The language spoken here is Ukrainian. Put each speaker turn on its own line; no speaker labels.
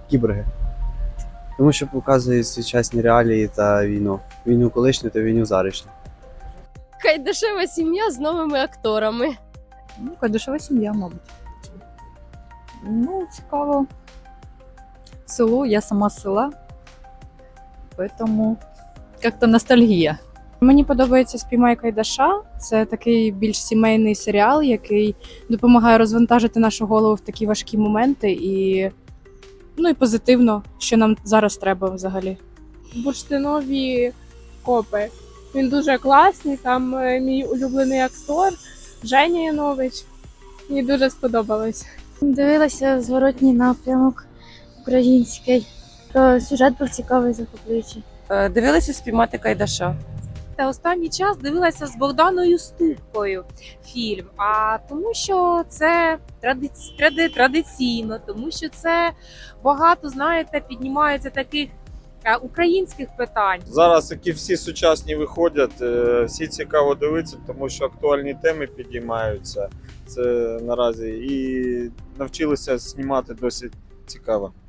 Кіборги. Тому що показують сучасні реалії та війну. Війну колишню та війну заришню.
Кайдашева сім'я з новими акторами.
Ну, Кайдашева сім'я, мабуть. Ну, цікаво. Село, я сама з села. Поэтому як-то ностальгія.
Мені подобається «Спіймай Кайдаша». Це такий більш сімейний серіал, який допомагає розвантажити нашу голову в такі важкі моменти і, і позитивно, що нам зараз треба взагалі.
Бурштинові копи. Він дуже класний, там мій улюблений актор Женя Янович. Мені дуже сподобалось.
Дивилася зворотній напрямок український. То сюжет був цікавий, захоплюючий.
Дивилася «Спіймати Кайдаша».
Та останній час дивилася з Богданою Ступкою фільм. А тому що це традиційно, тому що це багато, знаєте, піднімається таких українських питань.
Зараз, які всі сучасні виходять, всі цікаво дивитися, тому що актуальні теми підіймаються. Це наразі і навчилися знімати досить цікаво.